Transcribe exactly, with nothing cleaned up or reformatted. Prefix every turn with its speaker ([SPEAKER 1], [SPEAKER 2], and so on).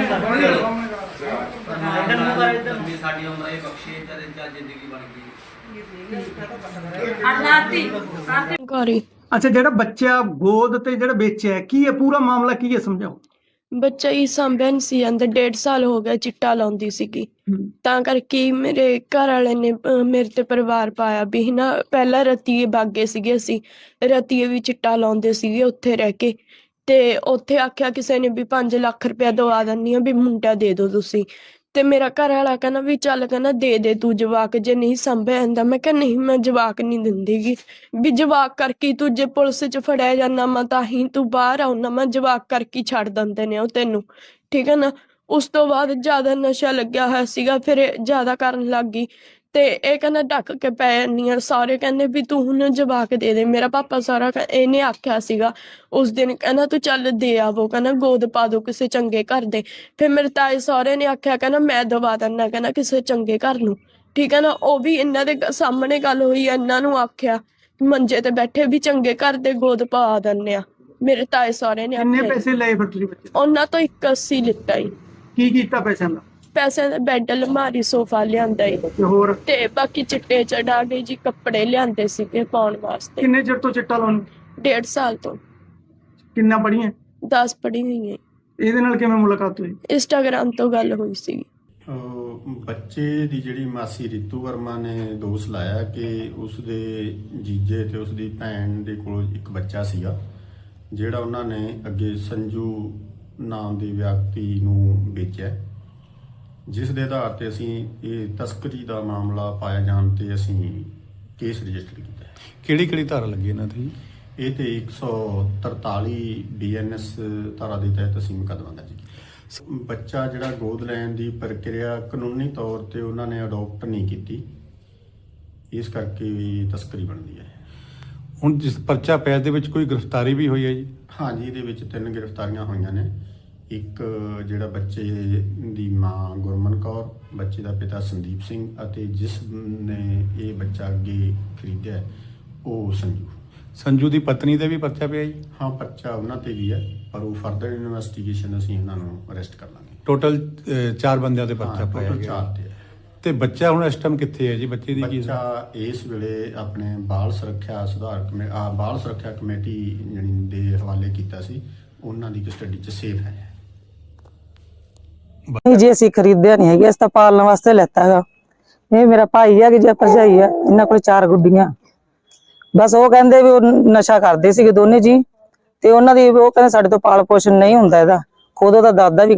[SPEAKER 1] अच्छा, जेड़ा बच्चा गोद ते जेड़ा बेचा की है पूरा मामला की है समझाओ।
[SPEAKER 2] ਬੱਚਾ ਹੀ ਸਾਂਭਿਆ ਨਹੀਂ ਸੀ ਜਾਂਦਾ, ਡੇਢ ਸਾਲ ਹੋ ਗਿਆ ਚਿੱਟਾ ਲਾਉਂਦੀ ਸੀਗੀ। ਤਾਂ ਕਰਕੇ ਮੇਰੇ ਘਰ ਵਾਲੇ ਨੇ ਅਹ, ਮੇਰੇ ਤੇ ਪਰਿਵਾਰ ਪਾਇਆ ਵੀ ਨਾ। ਪਹਿਲਾਂ ਰਤੀਏ ਬਾਗੇ ਸੀਗੇ, ਅਸੀਂ ਰਤੀਏ ਵੀ ਚਿੱਟਾ ਲਾਉਂਦੇ ਸੀਗੇ ਉੱਥੇ ਰਹਿ ਕੇ। ਤੇ ਉੱਥੇ ਆਖਿਆ ਕਿਸੇ ਨੇ ਵੀ ਪੰਜ ਲੱਖ ਰੁਪਇਆ ਦਵਾ ਦਿੰਦੀ ਆ ਵੀ ਮੁੰਡਾ ਦੇ ਦਿਓ ਤੁਸੀਂ। ਤੇ ਮੇਰਾ ਘਰ ਵਾਲਾ ਕਹਿੰਦਾ ਵੀ ਚੱਲ, ਕਹਿੰਦਾ ਦੇ ਦੇ ਤੂੰ ਜਵਾਕ, ਜੇ ਨਹੀਂ ਸੰਭਿਆ ਜਾਂਦਾ। ਮੈਂ ਕਿਹਾ ਨਹੀਂ, ਮੈਂ ਜਵਾਕ ਨਹੀਂ ਦਿੰਦੀਗੀ ਵੀ ਜਵਾਕ ਕਰਕੇ ਤੂੰ ਜੇ ਪੁਲਿਸ 'ਚ ਫੜਿਆ ਜਾਂਦਾ ਮੈਂ ਤਾਂ ਹੀ ਤੂੰ ਬਾਹਰ ਆਉਣਾ, ਮੈਂ ਜਵਾਕ ਕਰਕੇ ਛੱਡ ਦਿੰਦੇ ਨੇ ਉਹ ਤੈਨੂੰ, ਠੀਕ ਹੈ ਨਾ। ਉਸ ਤੋਂ ਬਾਅਦ ਜ਼ਿਆਦਾ ਨਸ਼ਾ ਲੱਗਿਆ ਹੋਇਆ ਸੀਗਾ, ਫਿਰ ਇਹ ਜ਼ਿਆਦਾ ਕਰਨ ਲੱਗ ਗਈ। ਤੇ ਇਹ ਕਹਿੰਦਾ ਢੱਕ ਕੇ ਪੈ ਜਾਂਦੀ ਆ। ਸਾਰੇ ਕਹਿੰਦੇ ਵੀ ਤੂੰ ਹੁਣ ਜਵਾਕ ਦੇ ਦੇ। ਮੇਰਾ ਪਾਪਾ ਸਾਰਾ ਇਹਨੇ ਆਖਿਆ ਸੀਗਾ ਉਸ ਦਿਨ, ਕਹਿੰਦਾ ਤੂੰ ਚੱਲ ਦੇ ਆਵੋ, ਕਹਿੰਦਾ ਗੋਦ ਪਾ ਦੋ ਕਿਸੇ ਚੰਗੇ ਘਰ ਦੇ। ਫਿਰ ਮੇਰੇ ਤਾਏ ਸਹੁਰੇ ਨੇ ਆਖਿਆ, ਕਹਿੰਦਾ ਮੈਂ ਦਵਾ ਦਿੰਦਾ, ਕਹਿੰਦਾ ਕਿਸੇ ਚੰਗੇ ਘਰ ਨੂੰ, ਠੀਕ ਹੈ ਨਾ। ਉਹ ਵੀ ਇਹਨਾਂ ਦੇ ਸਾਹਮਣੇ ਗੱਲ ਹੋਈ, ਇਹਨਾਂ ਨੂੰ ਆਖਿਆ ਮੰਜੇ ਤੇ ਬੈਠੇ ਵੀ ਚੰਗੇ ਘਰ ਦੇ ਗੋਦ ਪਾ ਦਿੰਦੇ ਆ। ਮੇਰੇ ਤਾਏ ਸਹੁਰੇ ਨੇ
[SPEAKER 1] ਕਿੰਨੇ ਪੈਸੇ ਲਏ ਫਿਰ ਤੁਸੀਂ ਬੱਚੇ?
[SPEAKER 2] ਉਹਨਾਂ ਤੋਂ ਇੱਕ ਅੱਸੀ ਲਿੱਤਾ ਹੀ।
[SPEAKER 1] ਕੀ ਕੀਤਾ ਪੈਸਿਆਂ ਦਾ? ਪੈਸੇ
[SPEAKER 2] ਦਾ ਬੈੱਡ, ਅਲਮਾਰੀ, ਸੋਫਾ ਲਿਆਂਦਾ ਈ
[SPEAKER 1] ਤੇ ਹੋਰ
[SPEAKER 2] ਤੇ ਬਾਕੀ ਚਿੱਟੇ ਚੜਾ ਕੇ ਜੀ ਕੱਪੜੇ ਲਿਆਂਦੇ ਸੀਗੇ ਪਾਉਣ ਵਾਸਤੇ।
[SPEAKER 1] ਕਿੰਨੇ ਚਿਰ ਤੋਂ ਚਿੱਟਾ ਲਾਉਣ?
[SPEAKER 2] ਡੇਢ ਸਾਲ ਤੋਂ।
[SPEAKER 1] ਕਿੰਨਾ ਪੜੀਆਂ?
[SPEAKER 2] ਦਸ ਪੜੀ ਹੋਈ ਹੈ।
[SPEAKER 1] ਇਹਦੇ ਨਾਲ ਕਿਵੇਂ ਮੁਲਾਕਾਤ ਹੋਈ?
[SPEAKER 2] ਇੰਸਟਾਗ੍ਰਾਮ ਤੋਂ ਗੱਲ ਹੋਈ ਸੀ।
[SPEAKER 3] ਬੱਚੇ ਦੀ ਜਿਹੜੀ ਮਾਸੀ ਰੀਤੂ ਵਰਮਾ ਨੇ ਦੋਸ਼ ਲਾਇਆ ਕਿ ਉਸਦੇ ਜੀਜੇ ਤੇ ਉਸਦੀ ਭੈਣ ਦੇ ਕੋਲ ਇੱਕ ਬੱਚਾ ਸੀਗਾ, ਜਿਹੜਾ ਉਹਨਾਂ ਨੇ ਅੱਗੇ ਸੰਜੂ ਨਾਮ ਦੇ ਵਿਅਕਤੀ ਨੂੰ ਵੇਚਿਆ, ਜਿਸ ਦੇ ਆਧਾਰ ਤੇ ਅਸੀਂ ਇਹ ਤਸਕਰੀ ਦਾ ਮਾਮਲਾ ਪਾਇਆ ਜਾਣ ਤੇ ਅਸੀਂ ਕੇਸ ਰਜਿਸਟਰ ਕੀਤਾ।
[SPEAKER 4] ਕਿਹੜੀ ਕਿਹੜੀ ਧਾਰਾ ਲੱਗੀ ਇਹਨਾਂ ਤੇ?
[SPEAKER 3] ਇਹ ਤੇ ਇੱਕ ਸੌ ਤਰਤਾਲੀ ਬੀ ਐਨ ਐਸ ਧਾਰਾ ਦੇ ਤਹਿਤ ਅਸੀਂ ਮੁਕੱਦਮਾ ਦਰਜ ਕੀਤਾ। ਬੱਚਾ ਜਿਹੜਾ ਗੋਦ ਲੈਣ ਦੀ ਪ੍ਰਕਿਰਿਆ ਕਾਨੂੰਨੀ ਤੌਰ ਤੇ ਉਹਨਾਂ ਨੇ ਅਡਾਪਟ ਨਹੀਂ ਕੀਤੀ, ਇਸ ਕਰਕੇ ਵੀ ਤਸਕਰੀ ਬਣਦੀ ਹੈ।
[SPEAKER 4] ਹੁਣ ਜਿਸ ਪਰਚਾ ਪਿਆ ਦੇ ਵਿੱਚ ਕੋਈ ਗ੍ਰਿਫਤਾਰੀ ਵੀ ਹੋਈ ਹੈ ਜੀ?
[SPEAKER 3] ਹਾਂਜੀ, ਇਹਦੇ ਵਿੱਚ ਤਿੰਨ ਗ੍ਰਿਫਤਾਰੀਆਂ ਹੋਈਆਂ ਨੇ। ਇੱਕ ਜਿਹੜਾ ਬੱਚੇ ਦੀ ਮਾਂ ਗੁਰਮਨ ਕੌਰ, ਬੱਚੇ ਦਾ ਪਿਤਾ ਸੰਦੀਪ ਸਿੰਘ ਅਤੇ ਜਿਸ ਨੇ ਇਹ ਬੱਚਾ ਅੱਗੇ ਖਰੀਦਿਆ ਉਹ ਸੰਜੂ।
[SPEAKER 4] ਸੰਜੂ ਦੀ ਪਤਨੀ ਤੇ ਵੀ ਪਰਚਾ ਪਿਆ ਜੀ?
[SPEAKER 3] ਹਾਂ, ਪਰਚਾ ਉਹਨਾਂ ਤੇ ਵੀ ਹੈ, ਪਰ ਉਹ ਫਰਦਰ ਇਨਵੈਸਟੀਗੇਸ਼ਨ ਅਸੀਂ ਉਹਨਾਂ ਨੂੰ ਅਰੈਸਟ ਕਰ ਲਾਂਗੇ।
[SPEAKER 4] ਟੋਟਲ ਚਾਰ ਬੰਦਿਆਂ ਤੇ ਪਰਚਾ ਪਾਇਆ ਗਿਆ।
[SPEAKER 3] ਚਾਰ ਤੇ ਹੈ।
[SPEAKER 4] ਤੇ ਬੱਚਾ ਹੁਣ ਇਸ ਟਾਈਮ ਕਿੱਥੇ ਹੈ ਜੀ? ਬੱਚੇ ਦੀ ਕੀ?
[SPEAKER 3] ਬੱਚਾ ਇਸ ਵੇਲੇ ਆਪਣੇ ਬਾਲ ਸੁਰੱਖਿਆ ਸੁਧਾਰ ਕਮੇ ਆ ਬਾਲ ਸੁਰੱਖਿਆ ਕਮੇਟੀ ਜਿਹੜੀ ਦੇ ਹਵਾਲੇ ਕੀਤਾ ਸੀ, ਉਹਨਾਂ ਦੀ ਕਸਟਡੀ 'ਚ ਸੇਫ ਹੈ।
[SPEAKER 5] नहीं जी, ਅਸੀਂ ਖਰੀਦਿਆ ਨਹੀਂ ਹੈਗਾ, ਅਸੀਂ ਤਾਂ ਪਾਲਣ ਵਾਸਤੇ ਲੈਤਾ ਹੈਗਾ। ਇਹ ਮੇਰਾ ਭਾਈ ਹੈ ਕਿ ਜੇ ਭਰਜਾਈ ਹੈ, ਇਹਨਾਂ ਕੋਲ ਚਾਰ ਗੁੱਡੀਆਂ। ਬਸ ਉਹ ਕਹਿੰਦੇ ਵੀ ਉਹ ਨਸ਼ਾ ਕਰਦੇ ਸੀਗੇ ਦੋਨੇ ਜੀ, ਤੇ ਉਹਨਾਂ ਦੀ ਉਹ ਕਹਿੰਦੇ ਸਾਡੇ ਤੋਂ ਪਾਲ ਪੋਸ਼ਣ ਨਹੀਂ ਹੁੰਦਾ ਇਹਦਾ। ਖੁਦ ਉਹਦਾ ਦਾਦਾ ਵੀ